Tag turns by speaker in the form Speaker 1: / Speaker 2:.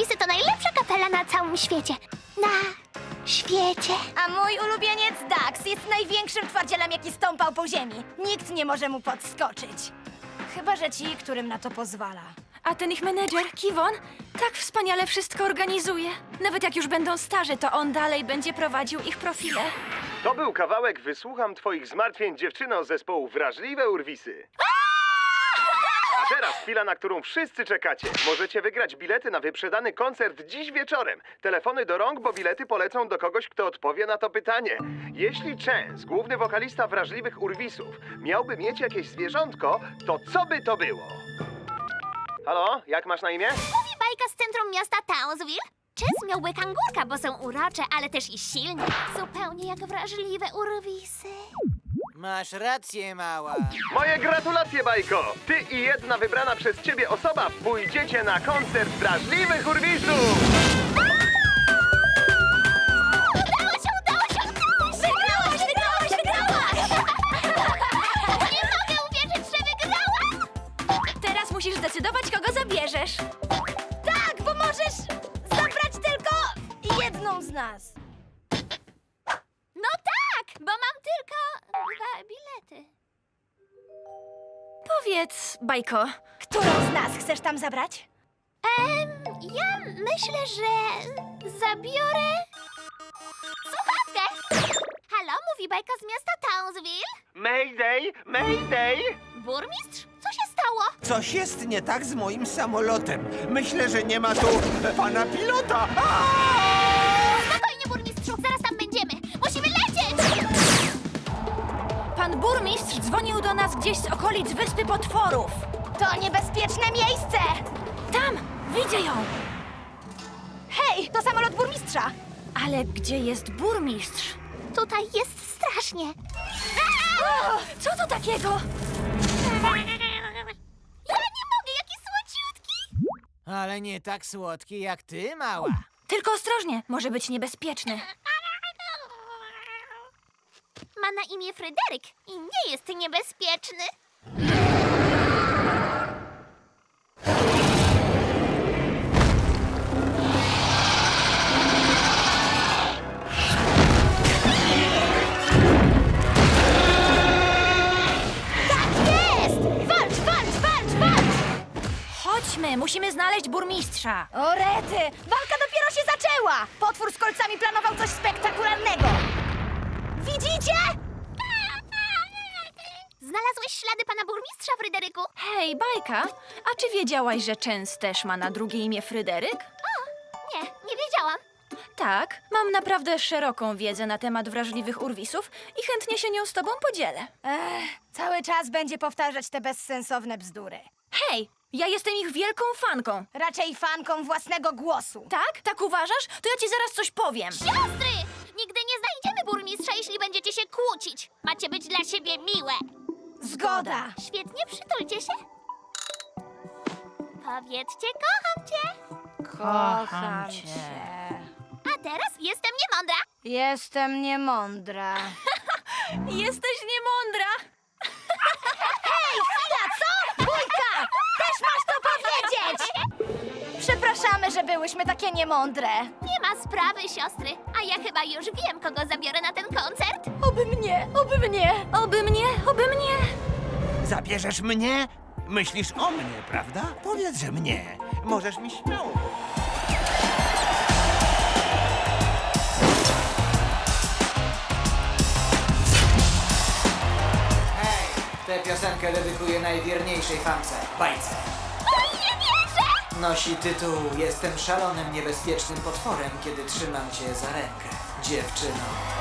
Speaker 1: Urwisy to najlepsza kapela na całym świecie. Na świecie.
Speaker 2: A mój ulubieniec Dax jest największym twardzielem, jaki stąpał po ziemi. Nikt nie może mu podskoczyć. Chyba że ci, którym na to pozwala.
Speaker 3: A ten ich menedżer, Kiwon, tak wspaniale wszystko organizuje. Nawet jak już będą starzy, to on dalej będzie prowadził ich profile.
Speaker 4: To był kawałek Wysłucham twoich zmartwień, dziewczyno z zespołu Wrażliwe Urwisy. A teraz chwila, na którą wszyscy czekacie. Możecie wygrać bilety na wyprzedany koncert dziś wieczorem. Telefony do rąk, bo bilety polecą do kogoś, kto odpowie na to pytanie. Jeśli Chance, główny wokalista Wrażliwych Urwisów, miałby mieć jakieś zwierzątko, to co by to było? Halo, jak masz na imię?
Speaker 1: Mówi bajka z centrum miasta Townsville. Chance miałby kangurka, bo są urocze, ale też i silne. Zupełnie jak wrażliwe urwisy.
Speaker 5: Masz rację, mała.
Speaker 4: Moje gratulacje, Bajko! Ty i jedna wybrana przez ciebie osoba pójdziecie na koncert Wrażliwych Urwisów!
Speaker 1: Udało się, udało się, udało się! Wygrałaś! Nie mogę uwierzyć, że wygrałam!
Speaker 3: Teraz musisz zdecydować, kogo zabierzesz.
Speaker 2: Tak, bo możesz zabrać tylko jedną z nas.
Speaker 1: No tak, bo mam tylko 2 bilety.
Speaker 3: Powiedz, Bajko,
Speaker 2: Którą z nas chcesz tam zabrać?
Speaker 1: Ja myślę, że zabiorę słuchawkę. Halo, mówi bajka z miasta Townsville?
Speaker 4: Mayday! Mayday!
Speaker 1: Burmistrz? Co się stało?
Speaker 6: Coś jest nie tak z moim samolotem. Myślę, że nie ma tu pana pilota.
Speaker 1: Spokojnie, burmistrzu, zaraz tam będziemy. Musimy lecieć!
Speaker 3: pan burmistrz dzwonił do nas gdzieś z okolic Wyspy Potworów.
Speaker 2: To niebezpieczne miejsce!
Speaker 3: Tam, widzę ją.
Speaker 2: Hej, to samolot burmistrza!
Speaker 3: Ale gdzie jest burmistrz?
Speaker 1: Tutaj jest strasznie.
Speaker 3: Co to takiego?
Speaker 1: Ja nie mogę, jaki słodziutki!
Speaker 5: Ale nie tak słodki jak ty, mała.
Speaker 3: Tylko ostrożnie, może być niebezpieczny.
Speaker 1: Ma na imię Fryderyk i nie jest niebezpieczny.
Speaker 2: Jest! Walcz, walcz, walcz, walcz!
Speaker 3: Chodźmy, musimy znaleźć burmistrza.
Speaker 2: O rety! Walka dopiero się zaczęła! Potwór z kolcami planował coś spektakularnego! Widzicie?
Speaker 1: Znalazłeś ślady pana burmistrza, Fryderyku?
Speaker 3: Hej, Bajka, a czy wiedziałaś, że Chance też ma na drugie imię Fryderyk?
Speaker 1: Nie, nie wiedziałam.
Speaker 3: Tak, mam naprawdę szeroką wiedzę na temat wrażliwych urwisów i chętnie się nią z tobą podzielę.
Speaker 2: Cały czas będzie powtarzać te bezsensowne bzdury.
Speaker 3: Hej, ja jestem ich wielką fanką.
Speaker 2: Raczej fanką własnego głosu.
Speaker 3: Tak? Tak uważasz? To ja ci zaraz coś powiem.
Speaker 1: Siostry! Nigdy nie znajdziemy burmistrza, jeśli będziecie się kłócić. Macie być dla siebie miłe.
Speaker 2: Zgoda.
Speaker 1: Świetnie, przytulcie się. Powiedzcie, kocham cię.
Speaker 2: Kocham cię.
Speaker 1: A teraz jestem niemądra.
Speaker 2: Jestem niemądra.
Speaker 3: Jesteś niemądra.
Speaker 2: Hej, chwila, co? Bójka! Też masz to powiedzieć! Przepraszamy, że byłyśmy takie niemądre.
Speaker 1: Nie ma sprawy, siostry. A ja chyba już wiem, kogo zabiorę na ten koncert.
Speaker 2: Oby mnie, oby mnie.
Speaker 3: Oby mnie, oby mnie.
Speaker 6: Zabierzesz mnie? Myślisz o mnie, prawda? Powiedz, że mnie. Możesz mi śmiało.
Speaker 5: Hej, tę piosenkę dedykuję najwierniejszej fance, Bajce.
Speaker 1: O, nie wierzę!
Speaker 5: Nosi tytuł Jestem szalonym, niebezpiecznym potworem, kiedy trzymam cię za rękę, dziewczyno.